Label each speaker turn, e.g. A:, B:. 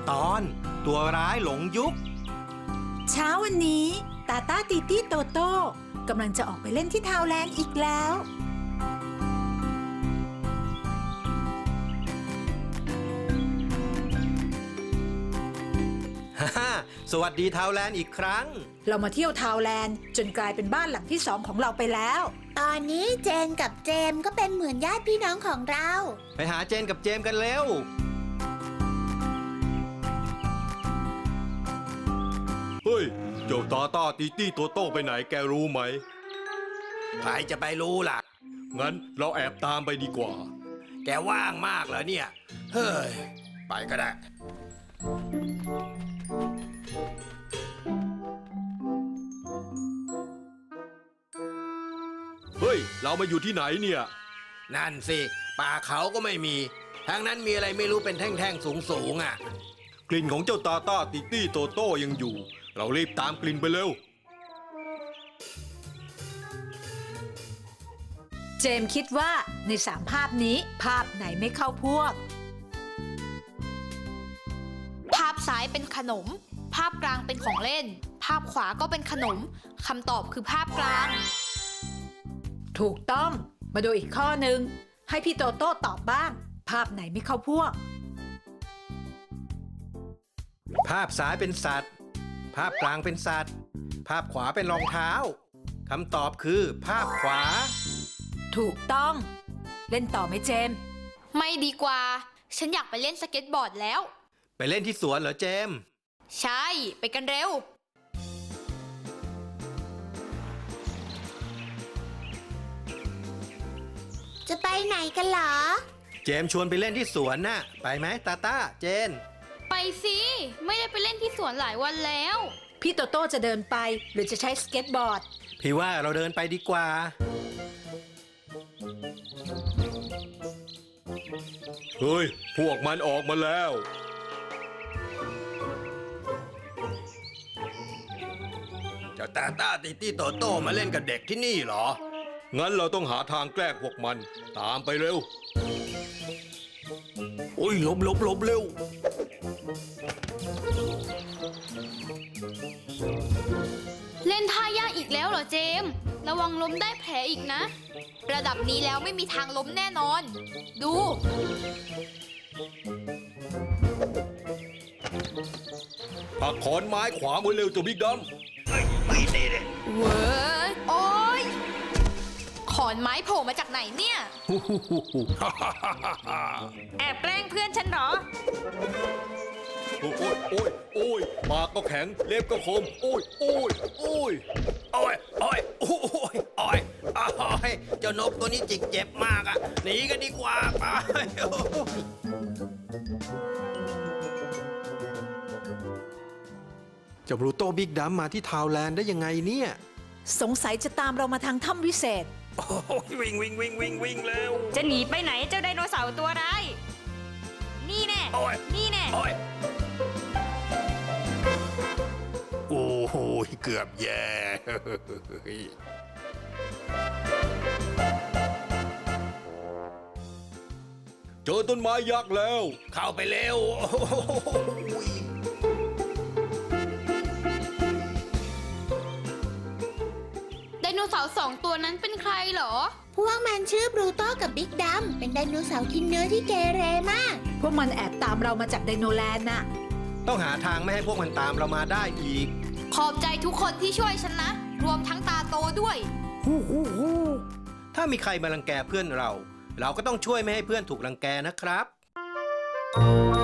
A: ตอนตัวร้ายหลงยุค
B: เช้าวันนี้ตาต้าตีตี้โตโต้กำลังจะออกไปเล่นที่ทาวแลนด์อีกแล้ว
A: ฮ่าสวัสดีทาวแลนด์อีกครั้ง
B: เรามาเที่ยวทาวแลนด์จนกลายเป็นบ้านหลังที่สองของเราไปแล้ว
C: ตอนนี้เจนกับเจมส์ก็เป็นเหมือนญาติพี่น้องของเรา
A: ไปหาเจนกับเจมกันเร็วเฮ้ยเจ้าตาต้าตีตี้ตัวโต้ไปไหนแกรู้ไหมใครจะไปรู้ล่ะงั้นเราแอบตามไปดีกว่าแกว่างมากเหรอเนี่ยเฮ้ยไปก็ได้เฮ้ยเรามาอยู่ที่ไหนเนี่ยนั่นสิป่าเขาก็ไม่มีทางนั้นมีอะไรไม่รู้เป็นแท่งๆสูงๆอ่ะกลิ่นของเจ้าตาต้าติตี้โตโต้ยังอยู่เรารีบตามกลิ่นไปเร็ว
B: เจมส์คิดว่าใน3 ภาพนี้ภาพไหนไม่เข้าพวก
D: ภาพซ้ายเป็นขนมภาพกลางเป็นของเล่นภาพขวาก็เป็นขนมคำตอบคือภาพกลาง
B: ถูกต้องมาดูอีกข้อหนึ่งให้พี่โตโต้ตอบบ้างภาพไหนไม่เข้าพวก
A: ภาพซ้ายเป็นสัตว์ภาพกลางเป็นสัตว์ภาพขวาเป็นรองเท้าคำตอบคือภาพขวา
B: ถูกต้องเล่นต่อไหมเจมส์
D: ไม่ดีกว่าฉันอยากไปเล่นสเก็ตบอร์ดแล้ว
A: ไปเล่นที่สวนเหรอเจมส์
D: ใช่ไปกันเร็ว
C: จะไปไหนกันเหรอ
A: เจมส์ชวนไปเล่นที่สวนน่ะไปไหมตาต้าเจน
D: ไปสิไม่ได้ไปเล่นที่สวนหลายวันแล้ว
B: พี่โตโต้จะเดินไปหรือจะใช้สเก็ตบอร์ด
A: พี่ว่าเราเดินไปดีกว่าเฮ้ยพวกมันออกมาแล้วเจ้าตาต้าติตี้โตโต้มาเล่นกับเด็กที่นี่เหรองั้นเราต้องหาทางแกล้งพวกมันตามไปเร็วโอ้ยหลบเร็ว
D: เล่นท่ายากอีกแล้วเหรอเจมส์ระวังล้มได้แผลอีกนะระดับนี้แล้วไม่มีทางล้มแน่นอนดู
A: ปักขอนไม้ขวามือเร็วตัวบิ๊กดำไม่ดีเลย
D: เว้ยโอ้ยขอนไม้โผล่มาจากไหนเนี่ยแอบแกล้งเพื่อนฉันเหรอ
A: โอ้ยปากก็แข็งเล็บก็คมโอ้ยเจ้านกตัวนี้จิกเจ็บมากอ่ะหนีกันดีกว่าไปเจ้าบรูโต้บิ๊กดัมมาที่ทาวแลนด์ได้ยังไงเนี่ย
B: สงสัยจะตามเรามาทางถ้ำวิเศษ
A: โอ้ยวิ่งแล้ว
D: จะหนีไปไหนเจ้าไดโนเสาร์ตัวร้ายนี่แน่
A: โอ้โหเกือบแย่เจอต้นไม้ยักษ์แล้วเข้าไปเร็ว
D: ไดโนเสาร์2 ตัวนั้นเป็นใครเหรอ
C: พวกมันชื่อบรูโต้กับบิ๊กดัมเป็นไดโนเสาร์กินเนื้อที่เกเรมาก
B: พวกมันแอบตามเรามาจากไดโนแลนด์น่ะ
A: ต้องหาทางไม่ให้พวกมันตามเรามาได้อีก
D: ขอบใจทุกคนที่ช่วยฉันนะรวมทั้งตาโตด้วย
A: ถ้ามีใครมารังแกเพื่อนเราก็ต้องช่วยไม่ให้เพื่อนถูกรังแกนะครับ